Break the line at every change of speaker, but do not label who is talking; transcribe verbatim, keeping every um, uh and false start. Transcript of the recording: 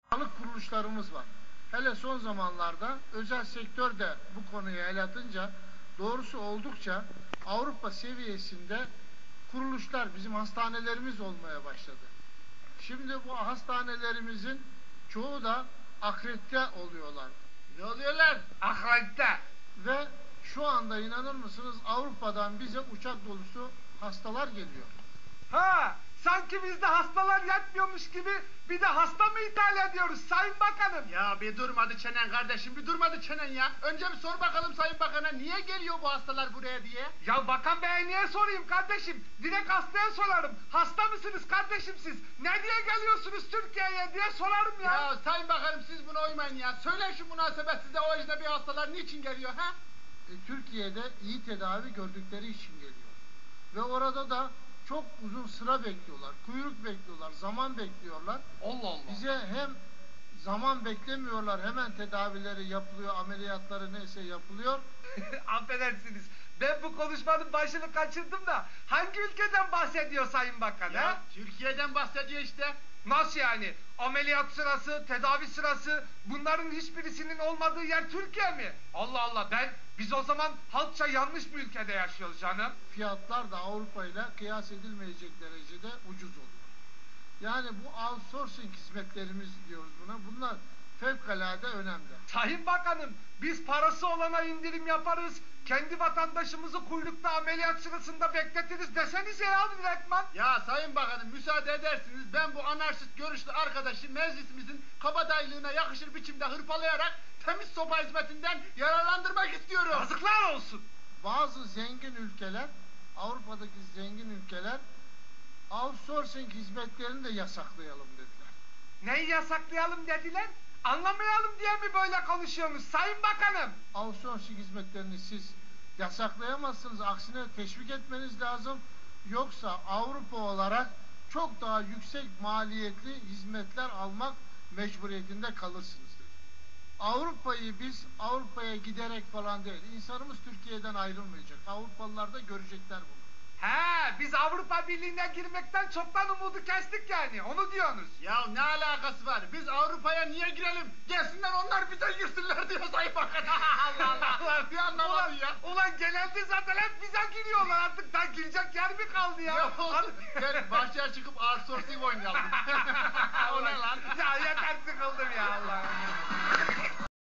Sağlık kuruluşlarımız var. Hele son zamanlarda özel sektör de bu konuyu el atınca doğrusu oldukça Avrupa seviyesinde kuruluşlar, bizim hastanelerimiz olmaya başladı. Şimdi bu hastanelerimizin çoğu da akredite oluyorlar.
Ne oluyorlar? Akredite.
Ve şu anda inanır mısınız Avrupa'dan bize uçak dolusu hastalar geliyor.
Ha, sanki bizde hastalar yatmıyormuş gibi bir de hasta mı ithal ediyoruz Sayın Bakanım?
Ya bir durmadı çenen kardeşim, bir durmadı çenen ya. Önce bir sor bakalım Sayın Bakan'a niye geliyor bu hastalar buraya diye.
Ya Bakan Bey'e niye sorayım kardeşim? Direkt hastaya sorarım. Hasta mısınız kardeşim siz? Ne diye geliyorsunuz Türkiye'ye diye sorarım ya.
Ya Sayın Bakanım siz buna uymayın ya. Söyleyin şu münasebetsize o ecnebi hastalar niçin geliyor ha?
E, Türkiye'de iyi tedavi gördükleri için geliyor. Ve orada da çok uzun sıra bekliyorlar, kuyruk bekliyorlar, zaman bekliyorlar.
Allah Allah.
Bize hem zaman beklemiyorlar, hemen tedavileri yapılıyor, ameliyatları neyse yapılıyor.
Affedersiniz. Ben bu konuşmanın başını kaçırdım da hangi ülkeden bahsediyor Sayın Bakan
Ya
ha?
Türkiye'den bahsediyor işte.
Nasıl yani? Ameliyat sırası, tedavi sırası bunların hiçbirisinin olmadığı yer Türkiye mi? Allah Allah ben biz o zaman halkça yanlış bir ülkede yaşıyoruz canım.
Fiyatlar da Avrupa ile kıyas edilmeyecek derecede ucuz oluyor. Yani bu outsourcing hizmetlerimiz diyoruz buna. Bunlar fevkalade önemli.
Sayın Bakanım biz parası olana indirim yaparız. Kendi vatandaşımızı kuyrukta ameliyat sırasında bekletiriz desenize ya direktman.
Ya Sayın Bakanım müsaade edersiniz ben bu anarşist görüşlü arkadaşı meclisimizin kabadaylığına yakışır biçimde hırpalayarak temiz sopa hizmetinden yararlandırmak istiyorum.
Yazıklar olsun.
Bazı zengin ülkeler, Avrupa'daki zengin ülkeler outsourcing hizmetlerini de yasaklayalım dediler.
Neyi yasaklayalım dediler? Anlamayalım diye mi böyle konuşuyorsunuz Sayın Bakanım?
Outsourcing hizmetlerini siz yasaklayamazsınız. Aksine teşvik etmeniz lazım. Yoksa Avrupa olarak çok daha yüksek maliyetli hizmetler almak mecburiyetinde kalırsınız dedi. Avrupa'yı biz Avrupa'ya giderek falan değil. İnsanımız Türkiye'den ayrılmayacak. Avrupalılar da görecekler bunu.
He, biz Avrupa Birliği'ne girmekten çoktan umudu kestik yani. Onu diyorsunuz.
Ya ne alakası var? Biz Avrupa'ya niye girelim? Gelsinler onlar bize girsinler diyor Sayın Bakan. Allah Allah. Bir anlamadın
Ulan,
ya.
ulan genelde zaten hep bize giriyorlar artık. Daha girecek yer mi kaldı ya?
Ya olsun. Gel bahçeye çıkıp outsourcing oynayalım. O ne lan?
Ya yeter sıkıldım ya Allah.